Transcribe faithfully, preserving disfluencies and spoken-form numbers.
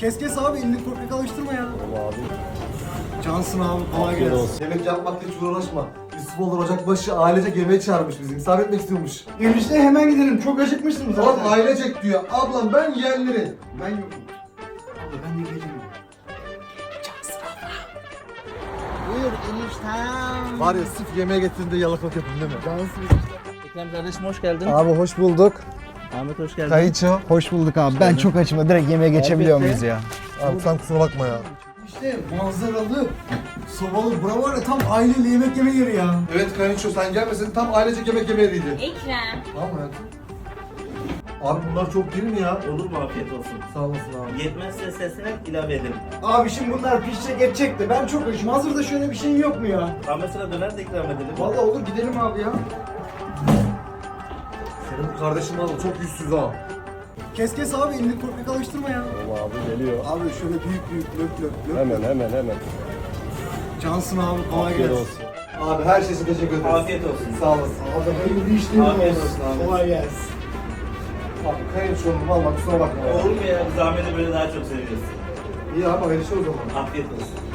Kes kes abi, elini korkak alıştırma ya. Tamam abi. Cansın abi, kolay Afiyet gelsin. olsun. Yemek yapmakla hiç uğraşma. Yusuf olur Ocakbaşı ailecek yemeğe çağırmış bizi. Misafir etmek istiyormuş. Enişte hemen gidelim, çok acıkmışsınız Oğlum zaten. ailecek diyor. Ablam ben yeğenleri. Ben yokum. Abla ben de geleceğim. Buyur eniştem. Var ya sırf yemeğe getirdiğinde yalakalık yapın değil mi? Cansın. Ekrem kardeşim hoş geldin. Abi hoş bulduk. Ahmet hoş geldin. Kayıço. Hoş bulduk abi. Ben çok açım da direkt yemeğe geçebiliyor muyuz ya? Abi sen kusura bakma ya. İşte manzaralı, sobalı, bura var ya tam aileyle yemek yeme yeri ya. Evet Kayınço sen gelmesin tam ailecek yemek yeme yeriydi. Ekrem. Tamam mı hayatım? Abi bunlar çok değil mi ya? Olur mu afiyet olsun. Sağ olasın abi. Yetmezse sesine ilave ederim. Abi şimdi bunlar pişecek edecek de ben çok açım. Hazırda şöyle bir şey yok mu ya? Ahmet sıra döner de ikram edelim. Vallahi olur, gidelim abi ya. Senin bu kardeşin var çok yüzsüz ha. Kes kes abi, elini korkak alıştırma ya. Tamam abi geliyor. Abi şöyle büyük büyük löp löp löp. Hemen hemen hemen. Cansın abi, kolay Afiyet gelsin. olsun. Abi her şey için teşekkür ederiz. Afiyet olsun. Sağ olasın. Abi hayırlı işlerin Afiyet olsun. olsun abi. Kolay gelsin. Abi Kayınço'nun valla kusura bakma ya. Olur mu ya? Biz Ahmet'i böyle daha çok seviyoruz. İyi abi hayırlı şey o zaman. Afiyet olsun.